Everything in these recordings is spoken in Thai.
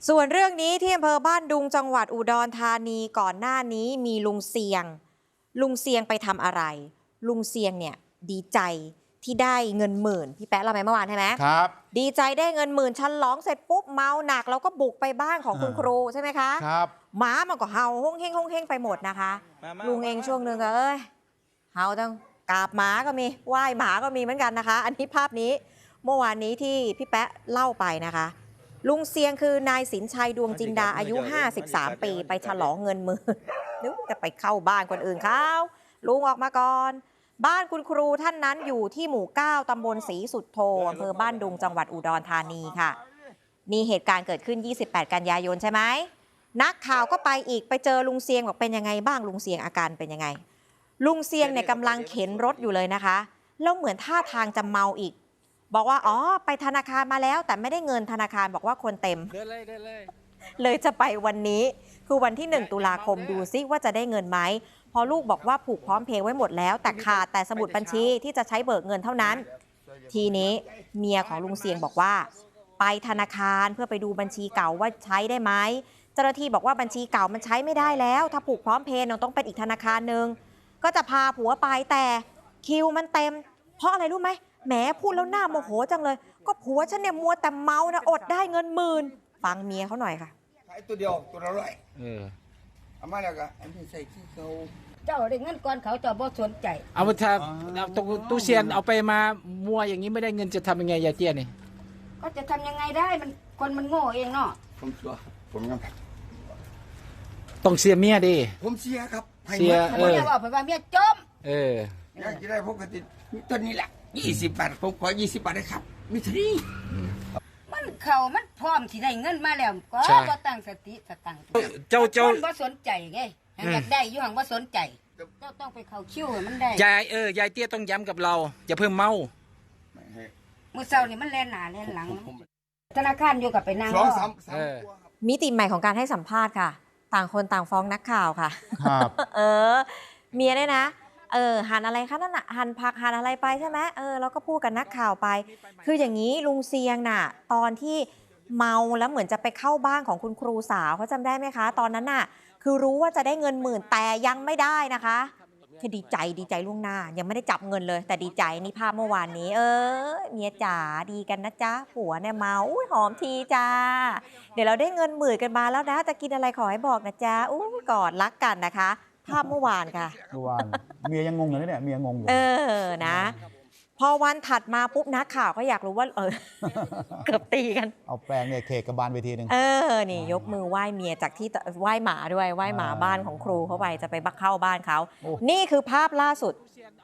ส่วนเรื่องนี้ที่อำเภอบ้านดุงจังหวัดอุดรธานีก่อนหน้านี้มีลุงเซียงไปทำอะไรลุงเซียงเนี่ยดีใจที่ได้เงินหมื่นพี่แป๊ะเล่าไปเมื่อวานใช่ไหมครับดีใจได้เงินหมื่นฉลองเสร็จปุ๊บเมาหนักแล้วก็บุกไปบ้านของคุณครูใช่ไหมคะครับหมามันก็เห่าห้องเฮงไปหมดนะคะลุงเองช่วงนึงก็เห่าต้องกราบหมาก็มีไหว้หมาก็มีเหมือนกันนะคะ อันนี้ภาพนี้เมื่อวานนี้ที่พี่แป๊ะเล่าไปนะคะลุงเซียงคือนายสินชัยดวงจินดาอายุ 53 ปีไปฉลองเงินหมื่นนึกจะไปเข้าบ้านคนอื่นเขาลุงออกมาก่อนบ้านคุณครูท่านนั้นอยู่ที่หมู่ 9 ตำบลศรีสุดโธอำเภอบ้านดุงจังหวัดอุดรธานีค่ะนี่เหตุการณ์เกิดขึ้น 28 กันยายนใช่ไหมนักข่าวก็ไปอีกไปเจอลุงเซียงบอกเป็นยังไงบ้างลุงเซียงอาการเป็นยังไงลุงเซียงเนี่ยกำลังเข็นรถอยู่เลยนะคะแล้วเหมือนท่าทางจะเมาอีกบอกว่าอ๋อไปธนาคารมาแล้วแต่ไม่ได้เงินธนาคารบอกว่าคนเต็มเลยจะไปวันนี้คือวันที่ 1 ตุลาคมดูซิว่าจะได้เงินไหมพอลูกบอกว่าผูกพร้อมเพย์ไว้หมดแล้วแต่ขาดแต่สมุดบัญชีที่จะใช้เบิกเงินเท่านั้นทีนี้เมียของลุงเซียงบอกว่าไปธนาคารเพื่อไปดูบัญชีเก่าว่าใช้ได้ไหมเจ้าหน้าที่บอกว่าบัญชีเก่ามันใช้ไม่ได้แล้วถ้าผูกพร้อมเพย์ต้องเป็นอีกธนาคารหนึ่งก็จะพาผัวไปแต่คิวมันเต็มเพราะอะไรรู้ไหมแหมพูดแล้วหน้าโมโหจังเลยก็ผัวฉันเนี่ยมัวแต่เมานะอดได้เงินหมื่นฟังเมียเขาหน่อยค่ะขายตัวเดียวตัวละร้อยเอามาแล้วก็อันนี้ใส่ขี้เขาเจ้าได้เงินก่อนเขาเจ้าบ่สนใจเอาไปทำตู้เซียนเอาไปมามัวอย่างนี้ไม่ได้เงินจะทำยังไงยายเตี้ยนี่ก็จะทำยังไงได้มันคนมันโง่เองเนาะผมชัวผมยังต้องเสียเมียดิผมเสียครับเสียเมียว่าไปว่าเมียจมอยากจะได้ปกติต้นนี้แหละ20 บาทผมขอ20 บาทได้ครับมิตรีมันมันพร้อมที่ได้เงินมาแล้วก็บ่ตั้งสติสตังค์เจ้าบ่สนใจไงอยากได้อยู่ห่างบ่สนใจเจ้าต้องไปเข้าคิวให้มันได้ยายยายเตี้ยต้องย้ำกับเราอย่าเพิ่มเมามื้อเช้านี่มันแล่นหน้าแล่นหลังธนาคารอยู่กับไปนั่งมิติใหม่ของการให้สัมภาษณ์ค่ะต่างคนต่างฟ้องนักข่าวค่ะครับเมียเนี่ยนะหั่นอะไรคะนั่นน่ะหั่นผักหั่นอะไรไปใช่ไหมแล้วก็พูดกับนักข่าวไปคืออย่างนี้ลุงเซียงน่ะตอนที่เมาแล้วเหมือนจะไปเข้าบ้านของคุณครูสาวเขาจำได้ไหมคะตอนนั้นน่ะคือรู้ว่าจะได้เงินหมื่นแต่ยังไม่ได้นะคะคือดีใจล่วงหน้ายังไม่ได้จับเงินเลยแต่ดีใจนี่ภาพเมื่อวานนี้เมียจ๋าดีกันนะจ๊ะผัวเนี่ยเมาหอมทีจ้าเดี๋ยวเราได้เงินหมื่นกันมาแล้วนะจะกินอะไรขอให้บอกนะจ๊ะกอดรักกันนะคะภาพเมื่อวานค่ะเมื่อวานเมียยังงงอยู่เนี่ยเมียงงอยู่นะพอวันถัดมาปุ๊บนักข่าวก็อยากรู้ว่าเกือบตีกันเอาแปลงเนี่ยเคกระบาลเวทีนึงนี่ยกมือไหว้เมียจากที่ไหว้หมาด้วยไหว้หมาบ้านของครูเขาไปจะไปบักเข้าบ้านเขานี่คือภาพล่าสุด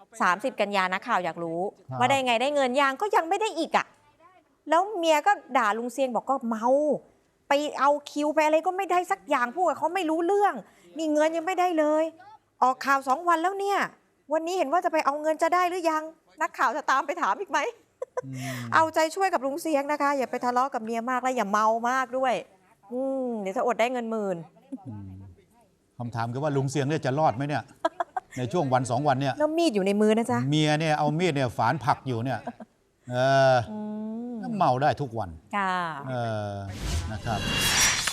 30 กันยานักข่าวอยากรู้ว่าได้ไงได้เงินยังก็ยังไม่ได้อีกอ่ะแล้วเมียก็ด่าลุงเซียงบอกก็เมาไปเอาคิวไปอะไรก็ไม่ได้สักอย่างพูดกับเขาไม่รู้เรื่องนี่เงินยังไม่ได้เลยออกข่าว2 วันแล้วเนี่ยวันนี้เห็นว่าจะไปเอาเงินจะได้หรือยังนักข่าวจะตามไปถามอีกไหม เอาใจช่วยกับลุงเซียงนะคะอย่าไปทะเลาะกับเมียมากและอย่าเมามากด้วยเดี๋ยวจะอดได้เงินหมื่นคำถามคือว่าลุงเซียงเนี่ยจะรอดไหมเนี่ยในช่วงวัน2 วันเนี่ยแล้วมีดอยู่ในมือนะจ๊ะเมียเนี่ยเอามีดเนี่ยฝานผักอยู่เนี่ยเมาได้ทุกวันค่ะนะครับ